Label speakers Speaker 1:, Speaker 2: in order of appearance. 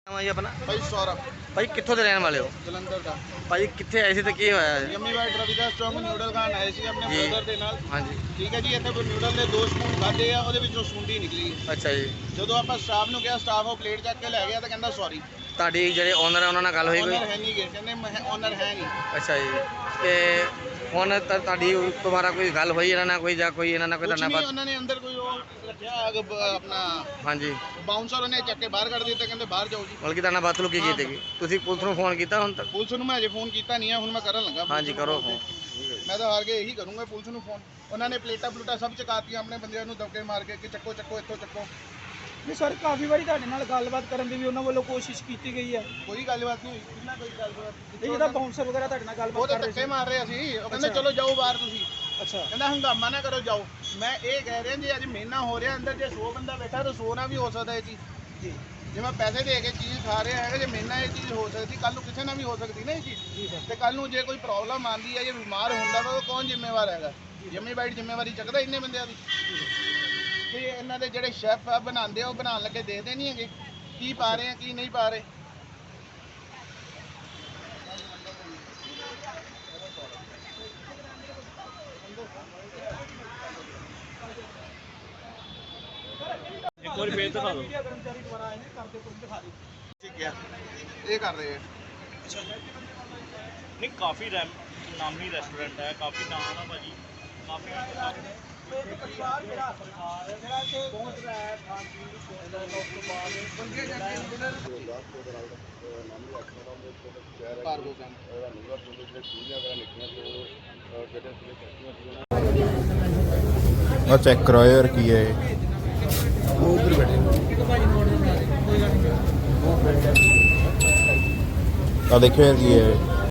Speaker 1: ਨਾਮ ਹੈ ਜੀ ਆਪਣਾ?
Speaker 2: ਭਾਈ ਸੌਰਵ।
Speaker 1: ਭਾਈ ਕਿੱਥੋਂ ਦੇ ਰਹਿਣ ਵਾਲੇ ਹੋ?
Speaker 2: ਜਲੰਧਰ ਦਾ।
Speaker 1: ਭਾਈ ਕਿੱਥੇ ਆਏ ਸੀ ਤੇ ਕੀ ਹੋਇਆ?
Speaker 2: ਯੰਮੀ ਵਾਈਟ ਰਵਿਦਾਸ ਚੌਂਕ ਨਿਊਡਲ ਖਾਣ ਆਏ ਸੀ ਆਪਣੇ
Speaker 1: ਜੀ।
Speaker 2: ਬ੍ਰਦਰ ਦੇ ਨਾਲ।
Speaker 1: ਹਾਂਜੀ।
Speaker 2: ਠੀਕ ਹੈ ਜੀ, ਇੱਥੇ ਕੋਈ ਨਿਊਡਲ ਦੇ 2 ਸਪੂਨ ਖਾਦੇ ਆ, ਉਹਦੇ ਵਿੱਚੋਂ ਸੁੰਡੀ ਨਿਕਲੀ।
Speaker 1: ਅੱਛਾ ਜੀ।
Speaker 2: ਜਦੋਂ ਆਪਾਂ ਸਟਾਫ ਨੂੰ ਕਿਹਾ, ਸਟਾਫ ਉਹ ਪਲੇਟ ਚੱਕ ਕੇ ਲੈ ਗਿਆ ਤਾਂ ਕਹਿੰਦਾ ਸੌਰੀ।
Speaker 1: ਤੁਹਾਡੀ ਜਿਹੜੇ ਓਨਰ ਹੈ ਉਹਨਾਂ ਨਾਲ ਗੱਲ ਹੋਈ ਕੋਈ?
Speaker 2: ਓਨਰ ਹੈ ਨਹੀਂ ਗੇ, ਕਹਿੰਦੇ ਓਨਰ ਹੈ ਨਹੀਂ।
Speaker 1: ਅੱਛਾ ਜੀ। ਤੇ ਹੁਣ ਤੁਹਾਡੀ ਦੁਬਾਰਾ ਕੋਈ ਗੱਲ ਹੋਈ ਇਹਨਾਂ ਨਾਲ ਕੋਈ ਜਾਂ ਕੋਈ ਇਹਨਾਂ ਨਾਲ ਕੋਈ
Speaker 2: ਕੁਛ
Speaker 1: ਤੁਹਾਡਾ
Speaker 2: ਨਹੀਂ, ਉਹਨਾਂ ਨੇ ਅੰਦਰ ਕੋਈ ਉਹ ਰੱਖਿਆ ਆਪਣਾ
Speaker 1: ਹਾਂਜੀ,
Speaker 2: ਬਾਉਂਸਰ, ਉਹਨੇ ਚੱਕ ਕੇ ਬਾਹਰ ਕੱਢ ਦਿੱਤਾ, ਕਹਿੰਦੇ ਬਾਹਰ ਜਾਓ ਜੀ।
Speaker 1: ਬਲਕਿ ਤੁਹਾਡਾ ਬਦਸਲੂਕੀ ਕੀਤੀ ਗਈ? ਤੁਸੀਂ ਪੁਲਿਸ ਨੂੰ ਫੋਨ ਕੀਤਾ ਹੁਣ ਤੱਕ?
Speaker 2: ਪੁਲਿਸ ਨੂੰ ਮੈਂ ਅਜੇ ਫੋਨ ਕੀਤਾ ਨਹੀਂ ਆ, ਹੁਣ ਮੈਂ ਕਰਨ ਲੱਗਾ।
Speaker 1: ਹਾਂਜੀ ਕਰੋ ਫੋਨ।
Speaker 2: ਮੈਂ ਤਾਂ ਹਾਰ ਕੇ ਇਹੀ ਕਰੂੰਗਾ ਪੁਲਿਸ ਨੂੰ ਫੋਨ। ਉਹਨਾਂ ਨੇ ਪਲੇਟਾਂ ਪਲੂਟਾਂ ਸਭ ਚਕਾਤੀਆਂ ਆਪਣੇ ਬੰਦਿਆਂ ਨੂੰ ਦਬਕੇ ਮਾਰ ਕੇ ਕਿ ਚੱਕੋ ਚੱਕੋ ਇੱਥੋਂ ਚੱਕੋ।
Speaker 3: ਨਹੀਂ ਸਰ, ਕਾਫੀ ਵਾਰੀ ਤੁਹਾਡੇ ਨਾਲ ਗੱਲਬਾਤ ਕਰਨ ਦੀ ਵੀ ਉਹਨਾਂ ਵੱਲੋਂ ਕੋਸ਼ਿਸ਼ ਕੀਤੀ ਗਈ ਹੈ।
Speaker 2: ਕੋਈ ਗੱਲਬਾਤ ਨਹੀਂ ਹੋਈ, ਕਿੰਨਾ ਕੋਈ ਗੱਲਬਾਤ
Speaker 3: ਇਹ ਜਿਹਦਾ ਬਾਉਂਸਰ ਵਗੈਰਾ ਤੁਹਾਡੇ ਨਾਲ
Speaker 2: ਉਹ
Speaker 3: ਗੱਲਬਾਤ
Speaker 2: ਤਾਂ
Speaker 3: ਕਰ ਰਹੇ
Speaker 2: ਧੱਕੇ
Speaker 3: ਸੀ।
Speaker 2: ਮਾਰ ਰਹੇ ਸੀ। ਉਹ ਕਹਿੰਦੇ
Speaker 3: ਅੱਛਾ।
Speaker 2: ਚਲੋ ਜਾਓ ਬਾਹਰ ਤੁਸੀਂ।
Speaker 3: ਅੱਛਾ।
Speaker 2: ਕਹਿੰਦਾ ਹੰਗਾਮਾ ਨਾ ਕਰੋ, ਜਾਓ। ਮੈਂ ਇਹ ਕਹਿ ਰਿਹਾ ਜੀ, ਅੱਜ ਮਹੀਨਾ ਹੋ ਰਿਹਾ ਅੰਦਰ, ਜੇ 100 ਬੰਦਾ ਬੈਠਾ ਤਾਂ 100 ਨਾਲ ਵੀ ਹੋ ਸਕਦਾ ਇਹ ਚੀਜ਼।
Speaker 3: ਜੀ
Speaker 2: ਜੇ ਮੈਂ ਪੈਸੇ ਦੇ ਕੇ ਚੀਜ਼ ਖਾ ਰਿਹਾ ਹੈਗਾ, ਜੇ ਮਹੀਨਾ ਇਹ ਚੀਜ਼ ਹੋ ਸਕਦੀ, ਕੱਲ ਨੂੰ ਕਿਸੇ ਨਾਲ ਵੀ ਹੋ ਸਕਦੀ ਨਾ ਇਹ ਚੀਜ਼।
Speaker 3: ਜੀ ਸਰ।
Speaker 2: ਤੇ ਕੱਲ ਨੂੰ ਜੇ ਕੋਈ ਪ੍ਰੋਬਲਮ ਆਉਂਦੀ ਹੈ, ਜੇ ਬਿਮਾਰ ਹੁੰਦਾ ਵਾ, ਉਹ ਕੌਣ ਜ਼ਿੰਮੇਵਾਰ ਹੈਗਾ? ਯੰਮੀ ਬਾਈਟ ਜ਼ਿੰਮੇਵਾਰੀ ਚੱਕਦਾ ਇੰਨੇ ਬੰਦਿਆਂ ਦੀ? ਕਿ ਇਹਨਾਂ ਦੇ ਜਿਹੜੇ ਸ਼ੈਫ ਆ ਬਣਾਉਂਦੇ ਆ, ਉਹ ਬਣਾਉਣ ਲੱਗੇ ਦੇਖਦੇ ਨਹੀਂ ਹੈਗੇ ਕੀ ਪਾ ਰਹੇ ਆ ਕੀ ਨਹੀਂ ਪਾ ਰਹੇ।
Speaker 4: ਇੱਕ ਵਾਰੀ ਫੇਰ ਦਿਖਾ ਦਿਓ।
Speaker 3: ਕਰਮਚਾਰੀ ਦੁਆਰਾ ਆਏ ਨੇ, ਕਰਦੇ ਕੁਝ ਦਿਖਾ ਦਿਓ।
Speaker 2: ਠੀਕ ਹੈ, ਇਹ ਕਰ ਰਹੇ ਆ।
Speaker 4: ਨਹੀਂ ਕਾਫੀ ਨਾਮੀ ਰੈਸਟੋਰੈਂਟ ਹੈ, ਕਾਫੀ ਨਾਮ ਹੈ ਭਾਜੀ, ਕਾਫੀ
Speaker 3: ਇੱਕ ਪਰਿਵਾਰ ਜਿਹੜਾ ਕਿ ਪਹੁੰਚ ਰਿਹਾ ਹੈ ਖਾਣ ਪੀਣ ਦੀ ਸਹੂਲਤ ਉਸ ਤੋਂ ਬਾਅਦ
Speaker 2: ਕਾਰਗੋ ਕੰਮ
Speaker 5: ਆ ਚੈੱਕ ਕਰੋ ਯਾਰ ਕੀ ਹੈ ਇਹ। ਉਹ ਉਧਰ ਬੈਠੇ ਆ ਦੇਖਿਓ ਯਾਰ ਕੀ ਹੈ।